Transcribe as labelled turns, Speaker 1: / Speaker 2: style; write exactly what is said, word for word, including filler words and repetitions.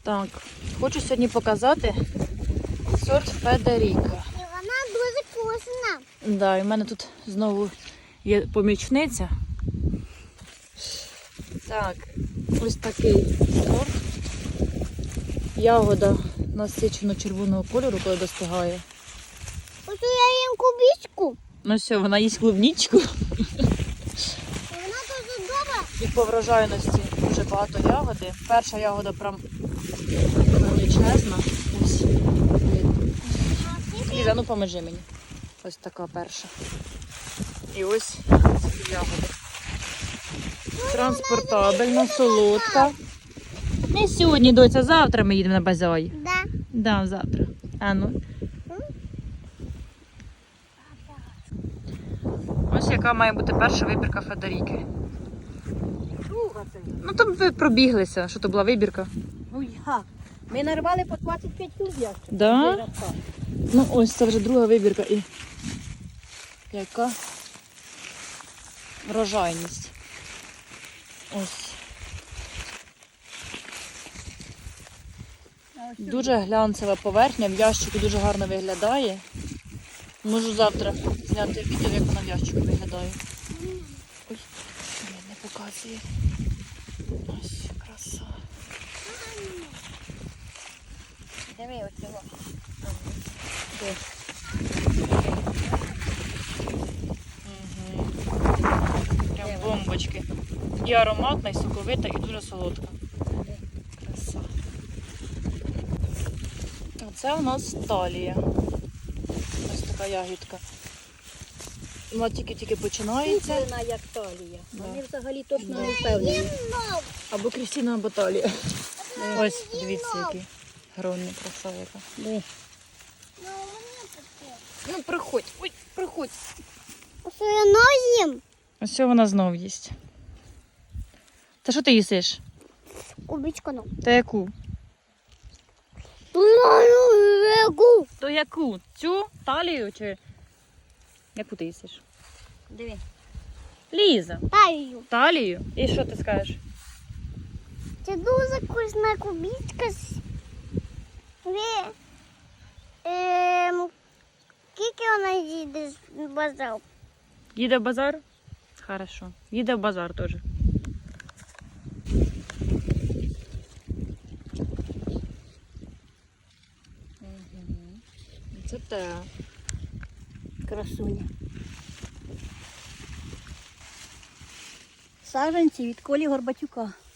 Speaker 1: Так, хочу сьогодні показати сорт Федеріка.
Speaker 2: І вона дуже вкусна.
Speaker 1: Да, і в мене тут знову є помічниця. Так, ось такий сорт. Ягода насичено червоного кольору, коли достигає.
Speaker 2: Ось я їм кубічку.
Speaker 1: Ну все, вона їсть клубничку.
Speaker 2: І вона дуже добра.
Speaker 1: І по врожайності дуже багато ягоди. Перша ягода прям величезна. Ось. Ліза, ну поможи мені. Ось така перша. І ось ці ягоди. Транспортабельна, солодка. Не сьогодні, доця, завтра ми їдемо на базой.
Speaker 2: Да.
Speaker 1: Да, завтра. А ну. Ось яка має бути перша вибірка Федеріки. Ну там ви пробіглися, що то була вибірка.
Speaker 3: Ну як? Ми нарвали по двадцять п'ять кілограмів.
Speaker 1: Да? Ну ось це вже друга вибірка і яка врожайність. Ось. Дуже глянцева поверхня, в ящику дуже гарно виглядає. Можу завтра зняти відео, як вона в ящику виглядає. Ой, не показує. Ось, краса.
Speaker 3: Диви оцього.
Speaker 1: Де? Угу. Прям бомбочки. І ароматна, і соковита, і дуже солодка. Краса. Це у нас талія. Ось така ягідка. Вона тільки-тільки починається.
Speaker 3: Вона як талія.
Speaker 1: Да.
Speaker 3: Вони взагалі точно не впевнені.
Speaker 1: Або Крістіна, або талія. Ось, дивіться, який гронний, краса яка.
Speaker 3: Диви.
Speaker 2: Ну, мені таке.
Speaker 1: Ну, приходь, ой, приходь.
Speaker 2: Ось я нозім.
Speaker 1: Ось цього вона знов їсть. Та що ти їсиш?
Speaker 2: Кубічку, ну.
Speaker 1: Та яку?
Speaker 2: Легу.
Speaker 1: То яку? Цю талію чи яку ти їсиш?
Speaker 3: Диви.
Speaker 1: Ліза.
Speaker 2: Таю.
Speaker 1: Талію? І що ти скажеш?
Speaker 2: Це дуже вкусна кубічка. Ви... Ем... Скільки вона їде з базару?
Speaker 1: Їде в базар? Хорошо. Їде в базар теж. Це те.
Speaker 3: Красуня. Саджанці від Колі Горбатюка.